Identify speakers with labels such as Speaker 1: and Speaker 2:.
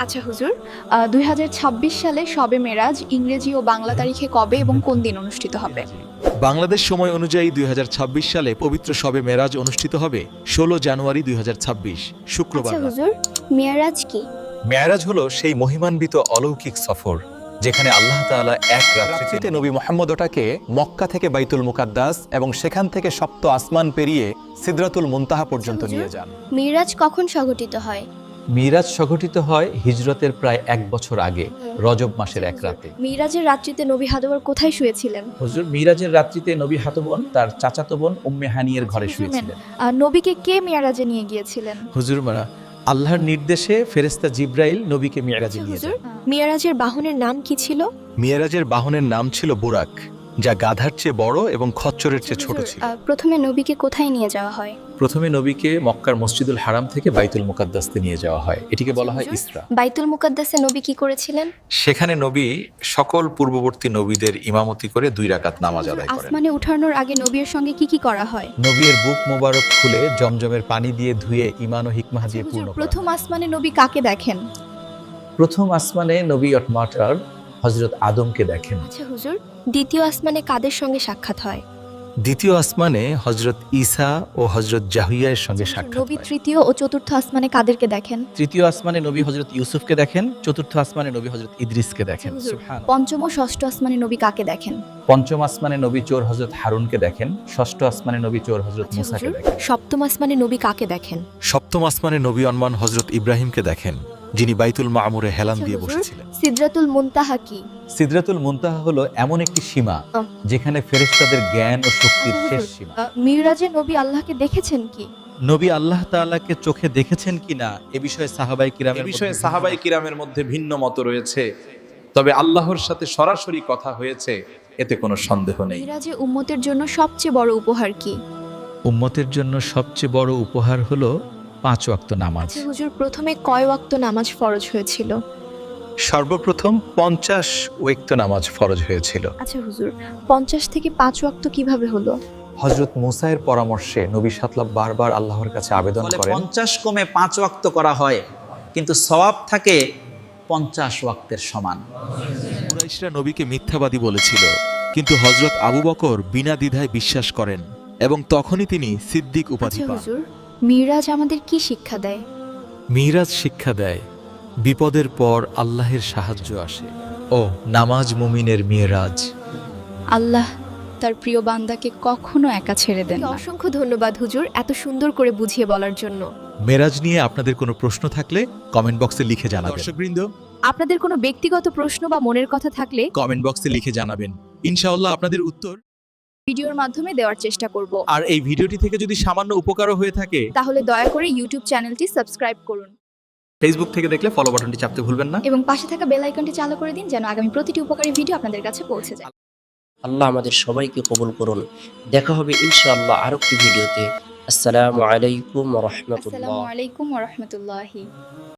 Speaker 1: আচ্ছা হুজুর, 2026 সালে শবে মেরাজ ইংরেজি ও বাংলা তারিখে কবে এবং কোন দিন অনুষ্ঠিত হবে?
Speaker 2: বাংলাদেশ সময় অনুযায়ী 2026 সালে পবিত্র শবে মেরাজ অনুষ্ঠিত হবে 16 জানুয়ারি 2026 শুক্রবার
Speaker 3: আচ্ছা
Speaker 2: রাতে।
Speaker 3: হুজুর, মেরাজ কি?
Speaker 4: মেয়ারাজ হলো সেই মহিমান্বিত অলৌকিক সফর যেখানে আল্লাহ তাআলা এক রাত্রিতে নবী মুহাম্মদ ওটাকে মক্কা থেকে বাইতুল মুকাদ্দাস এবং সেখান থেকে সপ্ত আসমান পেরিয়ে সিদরাতুল মুনতাহা পর্যন্ত নিয়ে যান।
Speaker 3: মেরাজ কখন সংঘটিত হয়?
Speaker 5: মিরাজ সংঘটিত হয় হিজরতের প্রায় 1 বছর আগে রজব মাসের এক রাতে।
Speaker 3: মেরাজের রাত্রিতে নবী হাদবর কোথায় শুয়েছিলেন?
Speaker 5: হুজুর মিরাজের রাত্রিতে নবী হাতবন তার চাচাতো বোন উম্মে হানিয়ের ঘরে শুয়েছিলেন।
Speaker 1: নবীকে কে মেরাজে নিয়ে গিয়েছিলেন?
Speaker 5: হুজুর মারা আল্লাহর নির্দেশে ফেরেশতা জিব্রাইল নবীকে মিরাজে নিয়ে
Speaker 3: হুজুর,
Speaker 5: যান।
Speaker 3: মেরাজের বাহনের নাম কি ছিল?
Speaker 4: মিয়ারাজের বাহনের নাম ছিল বুরাক, যা গাধার চেয়ে বড় এবং খচ্চরের চেয়ে ছোট ছিল।
Speaker 3: প্রথমে নবীকে কোথায় নিয়ে যাওয়া হয়?
Speaker 5: প্রথমে নবীকে মক্কার মসজিদুল হারাম থেকে বাইতুল মুকাদ্দাসে নিয়ে যাওয়া হয়, এটিকে বলা হয় ইসরা।
Speaker 3: বাইতুল মুকাদ্দাসে নবী কি করেছিলেন?
Speaker 4: সেখানে নবী সকল পূর্ববর্তী নবীদের ইমামতি করে 2 রাকাত নামাজ আদায় করেন।
Speaker 1: আসমানে উঠানোর আগে নবীর সঙ্গে কি কি করা হয়?
Speaker 5: নবীর বুক মোবারক খুলে জমজমের পানি দিয়ে ধুয়ে ঈমান ও হিকমাহ দিয়ে
Speaker 1: হুজুর,
Speaker 5: পূর্ণ করা হয়।
Speaker 1: প্রথম আসমানে নবী কাকে দেখেন?
Speaker 5: প্রথম আসমানে নবী অটমাটার হযরত আদমকে দেখেন।
Speaker 3: আচ্ছা হুজুর, দ্বিতীয় আসমানে কাদের সঙ্গে সাক্ষাৎ হয়?
Speaker 4: দ্বিতীয় আসমানে হযরত ঈসা ও হযরত জাহিয়ার সঙ্গে সাক্ষাৎ
Speaker 1: নবী
Speaker 4: হয়।
Speaker 1: তৃতীয় ও চতুর্থ আসমানে কাদেরকে দেখেন?
Speaker 5: তৃতীয় আসমানে নবী হযরত ইউসুফকে দেখেন, চতুর্থ আসমানে নবী হযরত ইদ্রিসকে দেখেন।
Speaker 1: হুজুর,
Speaker 5: সুবহান।
Speaker 1: পঞ্চম ও ষষ্ঠ আসমানে নবী কাকে দেখেন?
Speaker 5: পঞ্চম আসমানে নবী চোর হযরত হারুনকে দেখেন, ষষ্ঠ আসমানে নবী চোর হযরত
Speaker 1: আচ্ছা
Speaker 5: মুসাকে
Speaker 1: হুজুর,
Speaker 5: দেখেন।
Speaker 1: সপ্তম আসমানে নবী কাকে দেখেন?
Speaker 4: সপ্তম আসমানে নবী অনমান হযরত ইব্রাহিমকে দেখেন, যিনি বাইতুল মামুরে হেলান
Speaker 1: আচ্ছা
Speaker 4: দিয়ে
Speaker 1: হুজুর,
Speaker 4: বসেছিলেন।
Speaker 1: সিদরাতুল মুনতাহা কি?
Speaker 5: সিদরাতুল মুনতাহা হলো এমন একটি সীমা যেখানে ফেরেশতাদের জ্ঞান ও শক্তির
Speaker 1: আচ্ছা
Speaker 5: শেষ
Speaker 1: হুজুর,
Speaker 5: সীমা।
Speaker 1: মিরাজে নবী আল্লাহকে দেখেছেন কি?
Speaker 5: নবী আল্লাহ তাআলাকে চোখে দেখেছেন কিনা এ বিষয়ে
Speaker 6: সাহাবাই কিরামের মধ্যে ভিন্ন মত রয়েছে, তবে আল্লাহর সাথে সরাসরি কথা হয়েছে, এতে কোনো সন্দেহ নেই।
Speaker 1: মিরাজে উম্মতের জন্য সবচেয়ে বড় উপহার কি?
Speaker 5: উম্মতের জন্য সবচেয়ে বড় উপহার হলো 5 ওয়াক্ত নামাজ।
Speaker 1: আচ্ছা হুজুর, প্রথমে কয় ওয়াক্ত নামাজ ফরজ হয়েছিল?
Speaker 4: সর্বপ্রথম 50 ওয়াক্ত নামাজ ফরজ হয়েছিল।
Speaker 1: আচ্ছা হুজুর, 50 থেকে 5 ওয়াক্ত কিভাবে হলো?
Speaker 5: হযরত মুসার পরামর্শে নবী সাল্লাল্লাহু বারবার আল্লাহর কাছে আবেদন
Speaker 7: ফলে
Speaker 5: করেন।
Speaker 7: 50 কমে 5 ওয়াক্ত করা হয়, কিন্তু সওয়াব থাকে 50 ওয়াক্তের সমান।
Speaker 2: কুরাইশরা নবীকে মিথ্যাবাদী বলেছিল, কিন্তু হযরত আবু বকর বিনা দ্বিধায় বিশ্বাস করেন এবং তখনই তিনি সিদ্দিক উপাধি
Speaker 1: আচ্ছা
Speaker 2: পান।
Speaker 1: হুজুর, মিরাজ আমাদের কি শিক্ষা দেয়?
Speaker 4: মিরাজ শিক্ষা দেয় বিপদের পর আল্লাহের সাহায্য আসে।
Speaker 5: ও নামাজ মুমিনের মিরাজ।
Speaker 1: আল্লাহ তার প্রিয় বান্দাকে কখনো একা ছেড়ে দেন না। অসংখ্য ধন্যবাদ হুজুর, এত সুন্দর করে বুঝিয়ে বলার জন্য।
Speaker 4: মেরাজ নিয়ে আপনাদের কোনো প্রশ্ন থাকলে কমেন্ট বক্সে লিখে জানাবেন।
Speaker 2: দর্শকবৃন্দ,
Speaker 1: আপনাদের কোনো ব্যক্তিগত প্রশ্ন বা মনের কথা থাকলে
Speaker 2: কমেন্ট বক্সে লিখে জানাবেন, ইনশাআল্লাহ আপনাদের উত্তর।
Speaker 1: ভিডিওর মাধ্যমে দেওয়ার চেষ্টা করব।
Speaker 2: আর এই ভিডিওটি থেকে যদি সামান্য উপকারও হয়ে থাকে,
Speaker 1: তাহলে দয়া করে ইউটিউব চ্যানেলটি সাবস্ক্রাইব করুন
Speaker 6: ফেসবুক থেকে দেখলে ফলো বাটনটি চাপতে ভুলবেন না।
Speaker 1: এবং পাশে থাকা বেল আইকনটি চালু করে দিন যেন আগামী প্রতিটি উপকারী ভিডিও আপনাদের কাছে পৌঁছে যায়।
Speaker 8: আল্লাহ আমাদের সবাইকে কবুল করুন। দেখা হবে ইনশাআল্লাহ আরো একটি ভিডিওতে। আসসালামু আলাইকুম ওয়া রাহমাতুল্লাহ।
Speaker 1: আসসালামু আলাইকুম ওয়া রাহমাতুল্লাহি।